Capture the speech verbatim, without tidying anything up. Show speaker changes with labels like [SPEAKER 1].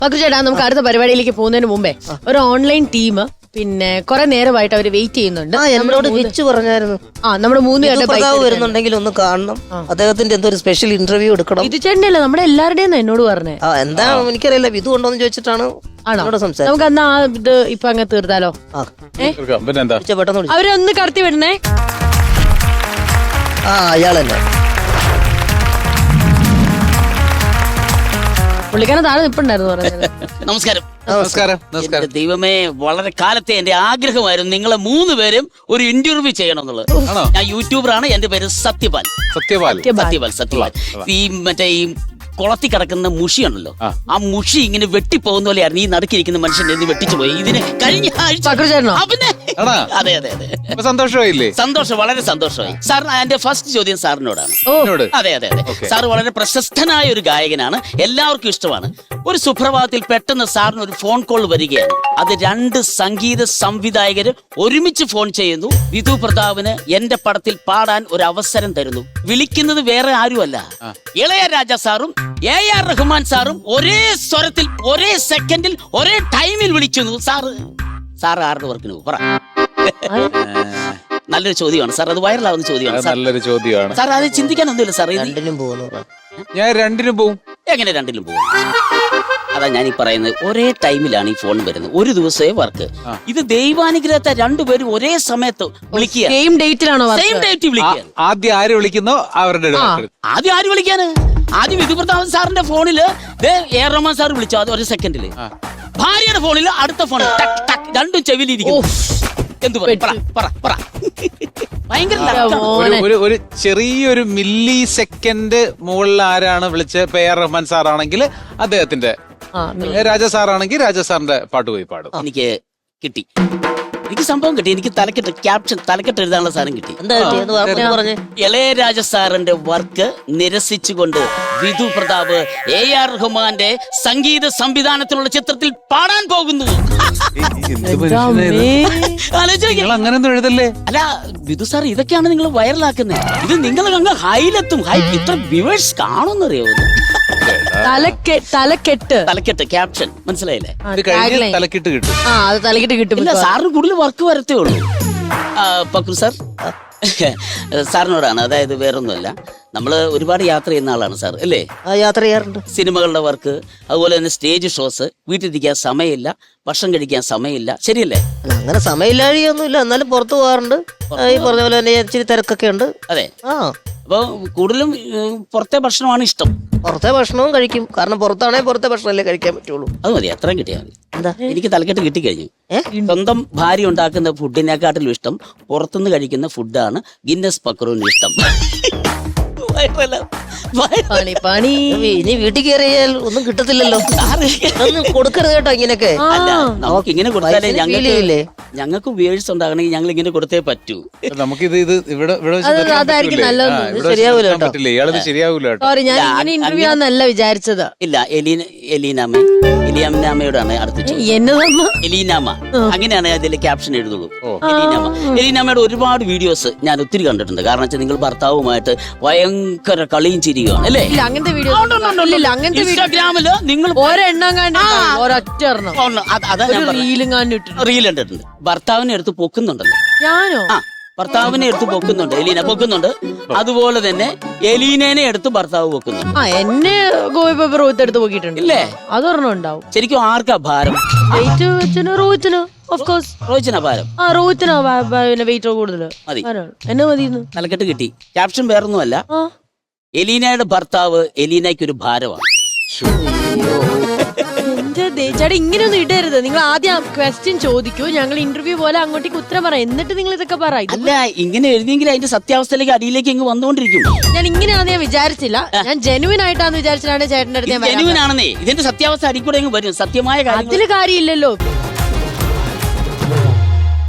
[SPEAKER 1] പക്രു ചേട്ടാ, നമുക്ക് അടുത്ത പരിപാടിയിലേക്ക് പോകുന്നതിന് മുമ്പേ ഒരു ഓൺലൈൻ ടീം പിന്നെ കുറെ നേരമായിട്ട് അവര് വെയിറ്റ് ചെയ്യുന്നുണ്ട്.
[SPEAKER 2] എന്നോട് വിളിച്ചു പറഞ്ഞായിരുന്നു.
[SPEAKER 1] ആ നമ്മുടെ മൂന്ന്
[SPEAKER 2] പേരുടെ വരുന്നുണ്ടെങ്കിൽ ഒന്ന് കാണണം, അദ്ദേഹത്തിന്റെ എന്തോ ഒരു സ്പെഷ്യൽ ഇന്റർവ്യൂ എടുക്കണം.
[SPEAKER 1] ഇത് ചേട്ടനല്ല, നമ്മുടെ എല്ലാവരുടെയും എന്നോട് പറഞ്ഞേ.
[SPEAKER 2] ആ എന്താ എനിക്കറിയില്ല, വിധു ഉണ്ടോന്ന് ചോദിച്ചിട്ടാണ് സംസാരിച്ചത്.
[SPEAKER 1] നമുക്ക് എന്നാ ഇത് ഇപ്പൊ അങ്ങ് തീർത്താലോ? അവരൊന്ന് കടത്തി വിടണേ.
[SPEAKER 2] ആ അയാളല്ലേ
[SPEAKER 1] പുള്ളിക്കാരൻ താഴെ നിപ്പുണ്ടായിരുന്നു പറഞ്ഞത്.
[SPEAKER 3] നമസ്കാരം.
[SPEAKER 4] നമസ്കാരം. നമസ്കാരം.
[SPEAKER 3] ദൈവമേ, വളരെ കാലത്തെ എന്റെ ആഗ്രഹമായിരുന്നു നിങ്ങളെ മൂന്ന് പേരും ഒരു ഇന്റർവ്യൂ ചെയ്യണം എന്നുള്ളത്. ഞാൻ യൂട്യൂബറാണ്, എന്റെ പേര് സത്യപാൽ.
[SPEAKER 4] സത്യപാൽ
[SPEAKER 3] സത്യപാൽ സത്യപാൽ ഈ മറ്റേ ഈ കുളത്തി കിടക്കുന്ന മുഷി ഉണ്ടല്ലോ, ആ മുഷി ഇങ്ങനെ വെട്ടിപ്പോകുന്ന പോലെയായിരുന്നു ഈ നടുക്കിരിക്കുന്ന മനുഷ്യൻ എന്ന് വെട്ടിച്ചു പോയി. ഇതിന് കഴിഞ്ഞ ആഴ്ച അതെ അതെ അതെ
[SPEAKER 4] സന്തോഷമായില്ലേ?
[SPEAKER 3] സന്തോഷം, വളരെ സന്തോഷമായി സാർ. എന്റെ ഫസ്റ്റ് ചോദ്യം സാറിനോടാണ്. അതെ അതെ അതെ സാർ വളരെ പ്രശസ്തനായ ഒരു ഗായകനാണ്, എല്ലാവർക്കും ഇഷ്ടമാണ്. ഒരു സുപ്രഭാതത്തിൽ പെട്ടെന്ന് സാറിന് ഒരു ഫോൺ കോൾ വരികയാണ്. അത് രണ്ട് സംഗീത സംവിധായകര് ഒരുമിച്ച് ഫോൺ ചെയ്യുന്നു. വിധു പ്രതാപിന് എന്റെ പടത്തിൽ പാടാൻ ഒരു അവസരം തരുന്നു. വിളിക്കുന്നത് വേറെ ആരുമല്ല, ഇളയരാജ സാറും എ ആർ റഹ്മാൻ സാറും ഒരേ സ്വരത്തിൽ ഒരേ സെക്കൻഡിൽ ഒരേ ടൈമിൽ വിളിക്കുന്നു. സാറ് സാറ് ആരുടെ വർക്കിന് പറ. നല്ലൊരു ചോദ്യമാണ് സാർ, അത് വൈറലാവുന്ന ചോദ്യമാണ്.
[SPEAKER 4] നല്ലൊരു ചോദ്യമാണ്
[SPEAKER 3] സാർ, അത് ചിന്തിക്കാനൊന്നുമില്ല സാർ.
[SPEAKER 2] രണ്ടിനും പോകുന്നു.
[SPEAKER 4] ഞാൻ രണ്ടിനും പോവും.
[SPEAKER 3] എങ്ങനെ രണ്ടിലും പോകും? അതാ ഞാൻ ഈ പറയുന്നത്, ഒരേ ടൈമിലാണ് ഈ ഫോൺ വരുന്നത്, ഒരു ദിവസമേ വർക്ക്. ഇത് ദൈവാനുഗ്രഹത്തെ രണ്ടുപേരും ഒരേ സമയത്ത് വിളിക്കുക,
[SPEAKER 1] സെയിം ഡേറ്റിലാണോ?
[SPEAKER 3] സെയിം ഡേറ്റ് വിളിക്കുക.
[SPEAKER 4] ആദ്യം ആര് വിളിക്കുന്നോ അവരുടെ
[SPEAKER 3] ആദ്യം ആര് വിളിക്കാന്? ആദ്യം വിധു പ്രതാപൻ സാറിന്റെ ഫോണില് എ ആർ റഹ്മാൻ സാർ വിളിച്ചു, അത് ഒരു സെക്കൻഡില്. ഭാര്യയുടെ ഫോണില് അടുത്ത ഫോണിൽ രണ്ടും ചെവിലിരിക്കും. എന്തു പറ? ഭയങ്കര
[SPEAKER 4] ഒരു ചെറിയൊരു മില്ലി സെക്കൻഡ് മുകളിൽ ആരാണ് വിളിച്ചത്? എ ആർ റഹ്മാൻ സാറാണെങ്കിൽ അദ്ദേഹത്തിന്റെ, രാജ സാറാണെങ്കിൽ രാജ സാറിന്റെ പാട്ട് പോയി പാടും.
[SPEAKER 3] എനിക്ക് കിട്ടി, എനിക്ക് സംഭവം കിട്ടി. എനിക്ക് തലക്കെട്ട് ക്യാപ്ഷൻ തലക്കെട്ട് എഴുതാനുള്ള സാധനം കിട്ടി. ഇളയരാജ സാറിന്റെ വർക്ക് നിരസിച്ചുകൊണ്ട് വിധു പ്രതാപ് എ ആർ റഹ്മാന്റെ സംഗീത സംവിധാനത്തിലുള്ള ചിത്രത്തിൽ പാടാൻ പോകുന്നു.
[SPEAKER 4] അങ്ങനെയൊന്നും എഴുതല്ലേ?
[SPEAKER 3] അല്ല വിധു സാർ, ഇതൊക്കെയാണ് നിങ്ങൾ വൈറലാക്കുന്നത്. ഇത് നിങ്ങൾ അങ്ങ് ഹൈലെത്തും. ഹൈ ഇത്ര വ്യൂവേഴ്സ് കാണുമെന്നറിയോ?
[SPEAKER 1] തലക്കെട്ട്
[SPEAKER 3] തലക്കെട്ട് ക്യാപ്ഷൻ മനസ്സിലായില്ലേ?
[SPEAKER 4] തലക്കെട്ട് കിട്ടും.
[SPEAKER 1] ആ അത് തലക്കെട്ട് കിട്ടും.
[SPEAKER 3] ഇല്ല, സാറിന് കൂടുതൽ വർക്ക് വരത്തേ ഉള്ളൂ. പക്രു സാർ, സാറിനോടാണ്. അതായത് വേറൊന്നുമല്ല, നമ്മള് ഒരുപാട് യാത്ര ചെയ്യുന്ന ആളാണ് സാർ, അല്ലേ?
[SPEAKER 2] യാത്ര ചെയ്യാറുണ്ട്.
[SPEAKER 3] സിനിമകളുടെ വർക്ക്, അതുപോലെ തന്നെ സ്റ്റേജ് ഷോസ്, വീട്ടിലിരിക്കാൻ സമയമില്ല, ഭക്ഷണം കഴിക്കാൻ സമയമില്ല, ശരിയല്ലേ?
[SPEAKER 2] അങ്ങനെ സമയമില്ലാഴിയൊന്നുമില്ല, എന്നാലും പുറത്തു പോകാറുണ്ട്. ഈ പറഞ്ഞ പോലെ തന്നെ ഇച്ചിരി തിരക്കൊക്കെ ഉണ്ട്.
[SPEAKER 3] അതെ. ആ അപ്പൊ കൂടുതലും പുറത്തെ ഭക്ഷണമാണ് ഇഷ്ടം.
[SPEAKER 2] പുറത്തെ ഭക്ഷണവും കഴിക്കും, കാരണം പുറത്താണെങ്കിൽ പുറത്തെ ഭക്ഷണമല്ലേ കഴിക്കാൻ പറ്റുള്ളൂ.
[SPEAKER 3] അത് മതി, അത്രയും കിട്ടിയാൽ മതി. എന്താ, എനിക്ക് തലക്കെട്ട് കിട്ടിക്കഴിഞ്ഞു. സ്വന്തം ഭാര്യ ഉണ്ടാക്കുന്ന ഫുഡിനെക്കാട്ടിലും ഇഷ്ടം പുറത്തുനിന്ന് കഴിക്കുന്ന ഫുഡാണ് ഗിന്നസ് പക്രുവിന് ഇഷ്ടം.
[SPEAKER 2] ഇനി വീട്ടിൽ കയറിയാൽ ഒന്നും കിട്ടത്തില്ലല്ലോ. ഒന്നും കൊടുക്കരുത് കേട്ടോ ഇങ്ങനെയൊക്കെ.
[SPEAKER 3] നമുക്ക് ഇങ്ങനെ കൊടുത്താലേ ഞങ്ങൾക്ക് ഞങ്ങൾക്ക് വ്യൂവേഴ്സ് ഉണ്ടാകണമെങ്കിൽ ഞങ്ങൾ ഇങ്ങനെ കൊടുത്തേ പറ്റൂ.
[SPEAKER 4] നമുക്കിത് ഇത് ഇവിടെ
[SPEAKER 1] ശരിയാവൂല വിചാരിച്ചത്.
[SPEAKER 3] ഇല്ല, എലീന എലീനാമ എലിയാമയോടാണ് അടുത്ത എലീനാമ, അങ്ങനെയാണ് അതിൽ ക്യാപ്ഷൻ എഴുതുള്ളൂ. എലീനാമ എലീനാമയുടെ ഒരുപാട് വീഡിയോസ് ഞാൻ ഒത്തിരി കണ്ടിട്ടുണ്ട്. കാരണം വെച്ചാൽ നിങ്ങൾ ഭർത്താവുമായിട്ട് ഭയങ്കര കളിയും ചിരിക്കുകയാണ്, അല്ലേ?
[SPEAKER 1] അങ്ങനത്തെ വീഡിയോ
[SPEAKER 3] ഇൻസ്റ്റാഗ്രാമില് നിങ്ങൾ റീൽ കണ്ടിട്ടുണ്ട്. ഭർത്താവിനെ എടുത്ത് പൊക്കുന്നുണ്ടല്ലോ.
[SPEAKER 1] ഞാനോ?
[SPEAKER 3] ആ, ഭർത്താവിനെ എടുത്ത് പൊക്കുന്നുണ്ട്, എലീന പൊക്കുന്നുണ്ട്. അതുപോലെ തന്നെ എലീനേനെ എടുത്ത് ഭർത്താവ് പൊക്കുന്നുണ്ട്.
[SPEAKER 1] ആ എന്നെ എടുത്ത് പൊക്കിയിട്ടുണ്ട്, ഇല്ലേ? അതൊരെണ്ണം ഉണ്ടാവും.
[SPEAKER 3] ശരിക്കും ആർക്കാ ഭാരം? റോഹിച്ചിനാ ഭാരം.
[SPEAKER 1] ആ റോഹിത്തിനാ വെയിറ്റ് കൂടുതൽ.
[SPEAKER 3] മതി,
[SPEAKER 1] എന്നെ മതി.
[SPEAKER 3] തലക്കെട്ട് കിട്ടി. ക്യാപ്ഷൻ വേറൊന്നുമല്ല, എലീനയുടെ ഭർത്താവ് എലീനയ്ക്ക് ഒരു ഭാരമാണ്.
[SPEAKER 1] ചേട്ടാ ഇങ്ങനെയൊന്നും ഇടരുത്. നിങ്ങൾ ആദ്യം ക്വസ്റ്റ്യൻ ചോദിക്കൂ, ഞങ്ങൾ ഇന്റർവ്യൂ പോലെ അങ്ങോട്ടേക്ക് ഉത്തരം പറയാം, എന്നിട്ട് നിങ്ങൾ ഇതൊക്കെ പറ.
[SPEAKER 3] അല്ല, ഇങ്ങനെ എഴുതിയെങ്കിൽ അതിന്റെ സത്യാവസ്ഥയിലേക്ക് അടിയിലേക്ക് ഇങ്ങ് വന്നുകൊണ്ടിരിക്കും.
[SPEAKER 1] ഞാൻ ഇങ്ങനെയാണെന്ന് ഞാൻ വിചാരിച്ചില്ല. ഞാൻ ജെനുവിൻ ആയിട്ടാന്ന് വിചാരിച്ചിട്ടാണ് ചേട്ടൻ്റെ അടുത്ത്.
[SPEAKER 3] ജെനുവിൻ ആണെന്നേ, ഇതിന്റെ സത്യാവസ്ഥ അടിക്കൂടെ വരും. സത്യമായ
[SPEAKER 1] അതില് കാര്യമില്ലല്ലോ.